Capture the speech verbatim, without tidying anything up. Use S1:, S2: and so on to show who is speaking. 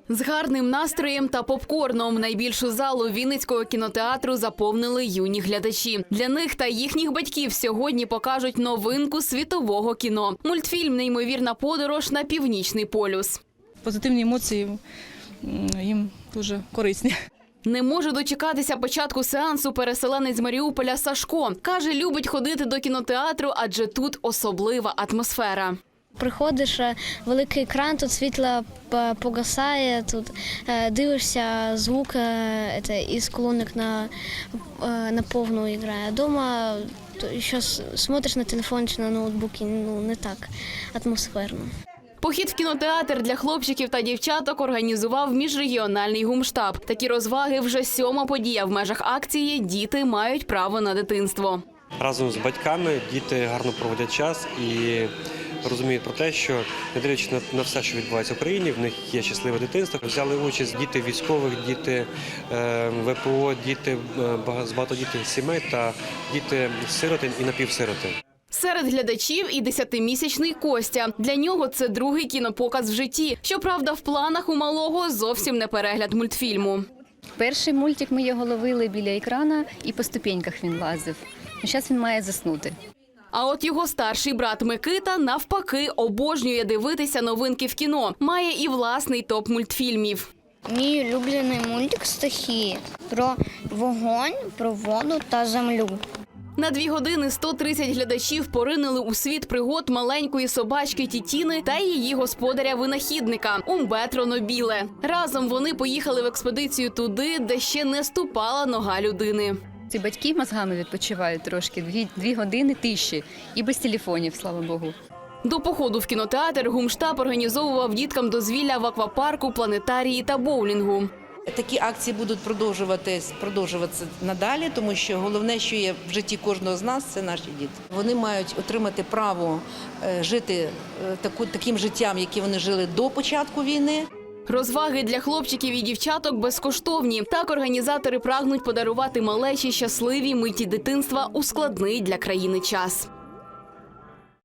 S1: З гарним настроєм та попкорном найбільшу залу Вінницького кінотеатру заповнили юні глядачі. Для них та їхніх батьків сьогодні покажуть новинку світового кіно – мультфільм «Неймовірна подорож на Північний полюс».
S2: Позитивні емоції їм дуже корисні.
S1: Не може дочекатися початку сеансу переселенець з Маріуполя Сашко. Каже, любить ходити до кінотеатру, адже тут особлива атмосфера.
S3: Приходиш, великий екран, тут світло погасає, тут дивишся, звук із колонок на, на повну грає. Дома ще смотриш на телефон чи на ноутбуці, ну не так атмосферно.
S1: Похід в кінотеатр для хлопчиків та дівчаток організував міжрегіональний гумштаб. Такі розваги вже сьома подія в межах акції «Діти мають право на дитинство».
S4: Разом з батьками діти гарно проводять час і розуміють про те, що, не дивлячись на, на все, що відбувається в Україні, в них є щасливе дитинство. Взяли участь діти військових, діти е, ВПО, діти е, з багатодітних сімей та діти сиротин і напівсиротин.
S1: Серед глядачів і десятимісячний Костя. Для нього це другий кінопоказ в житті. Щоправда, в планах у малого зовсім не перегляд мультфільму.
S5: Перший мультик ми його ловили біля екрана і по ступеньках він лазив. Зараз він має заснути.
S1: А от його старший брат Микита, навпаки, обожнює дивитися новинки в кіно. Має і власний топ мультфільмів.
S3: Мій улюблений мультик «Стихії» про вогонь, про воду та землю.
S1: На дві години сто тридцять глядачів поринули у світ пригод маленької собачки Тітіни та її господаря-винахідника Умбетро Нобіле. Разом вони поїхали в експедицію туди, де ще не ступала нога людини.
S5: Ці батьки мозгами відпочивають трошки, дві, дві години тиші і без телефонів, слава Богу.
S1: До походу в кінотеатр гумштаб організовував діткам дозвілля в аквапарку, планетарії та боулінгу.
S6: Такі акції будуть продовжуватись, продовжуватися надалі, тому що головне, що є в житті кожного з нас, це наші діти. Вони мають отримати право жити таку, таким життям, яке вони жили до початку війни.
S1: Розваги для хлопчиків і дівчаток безкоштовні. Так організатори прагнуть подарувати малечі щасливі миті дитинства у складний для країни час.